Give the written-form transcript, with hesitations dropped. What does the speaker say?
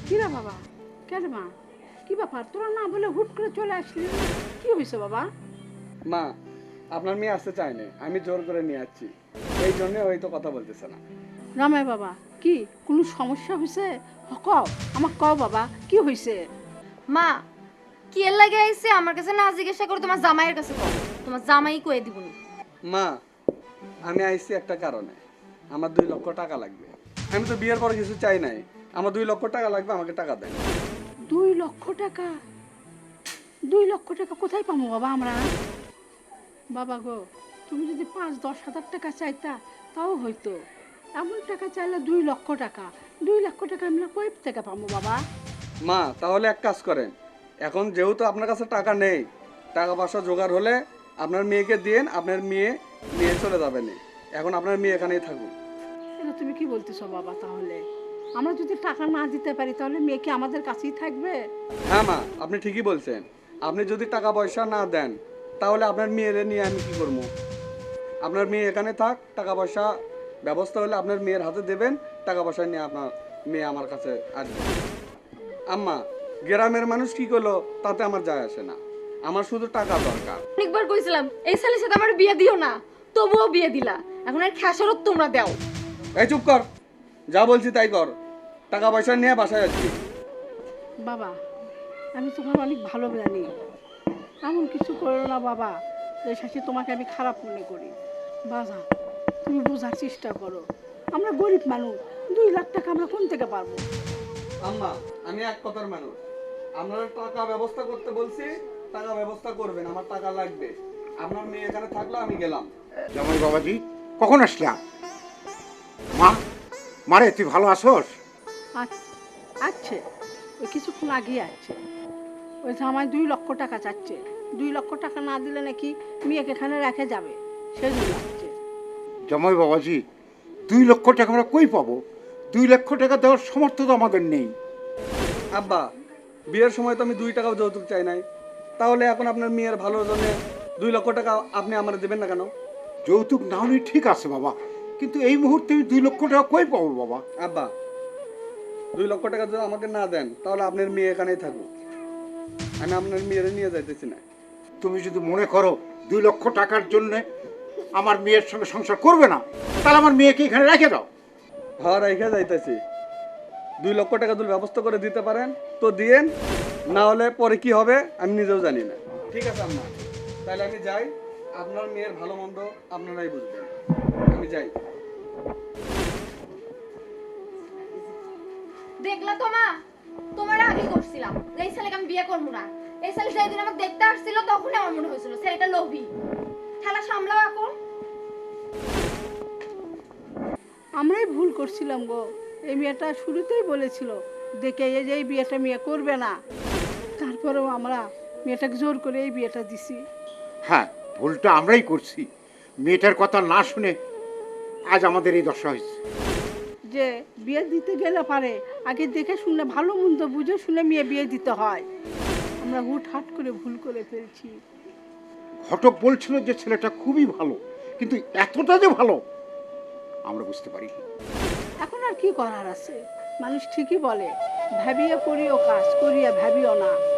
কিরা বাবা, কেন মা, কি ব্যাপার? তোরা না বলে হুট করে চলে আসলি, কি হয়েছে বাবা? মা, আপনার মেয়ে আসতে চায়নি, আমি জোর করে নিয়ে আসছি, এই জন্য ওই তো কথা বলতেছে না। রামাই বাবা, কি কোনো সমস্যা হয়েছে? কও, আমার কও বাবা, কি হয়েছে? মা কি এর লাগে আইছে আমার কাছে না জিজ্ঞাসা করে তোমার জামাইয়ের কাছে কও, তোমার জামাই কয়ে দিবনি। মা, আমি আইছি একটা কারণে, আমার 2 লক্ষ টাকা লাগবে। আমি তো বিয়ের পরে কিছু চাই নাই, আমার 2 লক্ষ টাকা লাগবে, আমাকে টাকা দেন। 2 লক্ষ টাকা? 2 লক্ষ টাকা কোথায় পাবো বাবা আমরা? বাবা গো, তুমি যদি 5-10 হাজার টাকা চাইতা তাও হইতো। এমন টাকা চাইলে 2 লক্ষ টাকা, 2 লক্ষ টাকা আমরা কই থেকে পাবো বাবা? মা, তাহলে এক কাজ করেন, এখন যেহেতু আপনার কাছে টাকা নেই, টাকা পয়সা জোগাড় হলে আপনার মেয়েকে দিন, আপনার মেয়ে নিয়ে চলে যাবেন। এখন আপনার মেয়ে এখানেই থাকুক। এটা তুমি কি বলতেছো বাবা? তাহলে আমরা যদি টাকা না দিতে পারি তাহলে মেয়ে কি আমাদের কাছেই থাকবে? হ্যাঁ মা, আপনি ঠিকই বলছেন, আপনি যদি টাকা পয়সা না দেন তাহলে আপনার মেয়েরে নিয়ে আমি কি করবো? আপনার মেয়ে এখানে থাক, টাকা পয়সা ব্যবস্থা হলে আপনার মেয়ের হাতে দেবেন, টাকা পয়সা নিয়ে আপনার মেয়ে আমার কাছে আসবে। আম্মা, গ্রামের মানুষ কি করলো তাতে আমার যায় আসে না, আমার শুধু টাকা দরকার। অনেকবার কইছিলাম এই ছেলের সাথে আমার বিয়ে দিও না, তবুও বিয়ে দিলা। এখন আর খেসারত তোমরা দাও। এই চুপ কর, যা বলছি তাই কর, টাকা পয়সা নিয়ে বাসায় যাচ্ছি। বাবা, আমি তোমার অনেক ভালো জানি, এমন কিছু করো না বাবা যে শাশি তোমাকে আমি খারাপ মনে করি। বাবা, তুমি বোঝার চেষ্টা করো, আমরা গরিব মানুষ, 2 লাখ টাকা আমরা কোন থেকে পারবো? আম্মা, আমি এক কথার মানুষ, আপনারা টাকা ব্যবস্থা করতে বলছি, টাকা ব্যবস্থা করবেন, আমার টাকা লাগবে। আপনার মেয়ে এখানে থাকলো, আমি গেলাম। জামাই বাবাজি, কখন আসলাম? মা, মারে তুই ভালো আছোস? আছে, ওই কিছুক্ষণ আগিয়ে আছে। ওই জামাই 2 লক্ষ টাকা চাচ্ছে, 2 লক্ষ টাকা না দিলে নাকি মেয়েকে এখানে রেখে যাবে, সেই জন্য আসছে। জামাই বাবাজি, 2 লক্ষ টাকা আমরা কই পাবো? 2 লক্ষ টাকা দেওয়ার সমর্থ তো আমাদের নেই। আব্বা, বিয়ের সময় তো আমি 2 টাকাও যৌতুক চাই নাই, তাহলে এখন আপনার মেয়ের ভালোর জন্য 2 লক্ষ টাকা আপনি আমার দেবেন না কেন? যৌতুক না হলে ঠিক আছে বাবা, কিন্তু এই মুহূর্তে আমি 2 লক্ষ টাকা কই পাবো বাবা? আব্বা, 2 লক্ষ টাকা যদি আমাকে না দেন তাহলে আপনার মেয়ে এখানেই থাকুক, আমি আপনার মেয়েরে নিয়ে যাইতেছি না। তুমি যদি মনে করো 2 লক্ষ টাকার জন্য আমার মেয়ের সঙ্গে সংসার করবে না, তাহলে আমার মেয়েকে এখানে রেখে দাও। ঘর রেখে যাইতেছি, 2 লক্ষ টাকা যদি ব্যবস্থা করে দিতে পারেন তো দিয়েন, না হলে পরে কি হবে আমি নিজেও জানি না। ঠিক আছে আম্মা, তাহলে আমি যাই, আপনার মেয়ের ভালো মন্দ আপনারাই বুঝবেন, আমি যাই। দেখলা তো মা, তোমার আগে করছিলাম যে এই ছেলেকে আমি বিয়ে করবো না। এই ছেলে যেদিন আমাকে দেখতে আসছিল তখনই আমার মনে হয়েছিল ছেলেটা লোভী। খেলা সামলাও এখন। আমরাই ভুল করছিলাম গো, এই মেয়েটা শুরুতেই বলেছিল দেখে এই যে এই বিয়েটা মেয়ে করবে না, তারপরেও আমরা মেয়েটাকে জোর করে এই বিয়েটা দিছি। হ্যাঁ, ভুলটা আমরাই করছি। মেয়েটার কথা না শুনে আজ আমাদের এই দশা হয়েছে। যে বিয়ে দিতে গেলে পারে আগে দেখে শুনে ভালো মন্দ বুঝে শুনে মেয়ে বিয়ে দিতে হয়, আমরা হুটহাট করে ভুল করে ফেলছি। ঘটক বলছিল যে ছেলেটা খুবই ভালো, কিন্তু এতটা যে ভালো আমরা বুঝতে পারি। এখন আর কি করার আছে, মানুষ ঠিকই বলে ভাবিয়া করিও কাজ, করিয়া ভাবিও না।